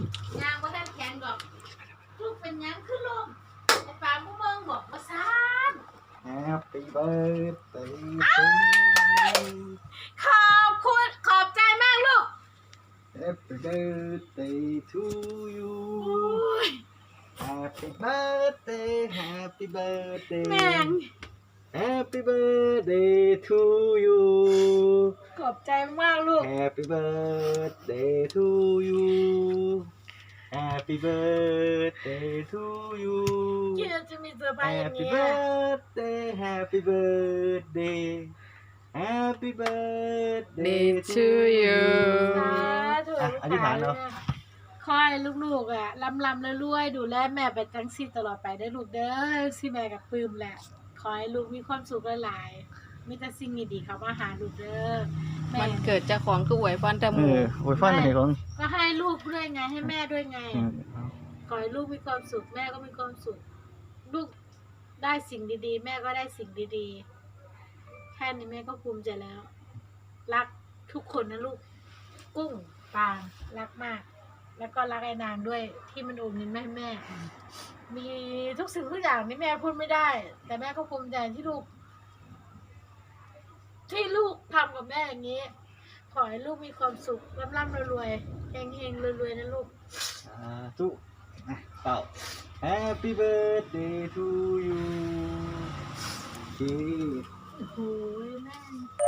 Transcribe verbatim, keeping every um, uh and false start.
ยางว่าท่านแข็งดอกลูกเป็นยังขึ้นลมไอ้ปาผู้เมืองบอกว่าซาน Happy birthday to you ขอบคุณขอบใจมากลูก Happy birthday to you อุ้ย Happy birthday Happy birthday แม่ง Happy birthday to you ขอบใจมากลูก Happy birthday to you Happy birthday to you คิดว่าจะมีเซอร์ไพรส์อย่าง Happy เงี้ย birthday Happy birthday Happy birthday to you สาธุอ่ะอธิษฐานเนาะคอยลูกๆอ่ะลำลำรวยๆดูแลแม่ไปจังซี่ตลอดไปได้ลูกเด้อสิแม่กับปลื้มแหละขอให้ลูกมีความสุขหลายๆมีแต่สิ่งดีๆเข้ามาหาลูกเด้อแม่มันเกิดเจ้าของคือหวยพรแต่หเอมูอโอ้ยฟันไหนของก็ให้ลูกด้วยไงให้แม่ด้วยไงเออขอให้ลูกมีความสุขแม่ก็มีความสุข ลูกได้สิ่งดีๆ แม่ก็ได้สิ่งดีๆแค่นี้แม่ก็ภูมิใจแล้ว รักทุกคนนะลูก กุ้งปางรักมาก แล้วก็รักไอ้นางด้วยที่มันโอนเงินแม่ให้แม่ มีทุกสิ่งทุกอย่างที่แม่พูดไม่ได้ แต่แม่ก็ภูมิใจที่ลูก ที่ลูกทำกับแม่อย่างนี้ ขอให้ลูกมีความสุขร่ำร่ำรวยๆเฮงๆรวยๆนะลูกสาธุอ่ะเป่า Happy birthday to you โอเคโอ้โหแม่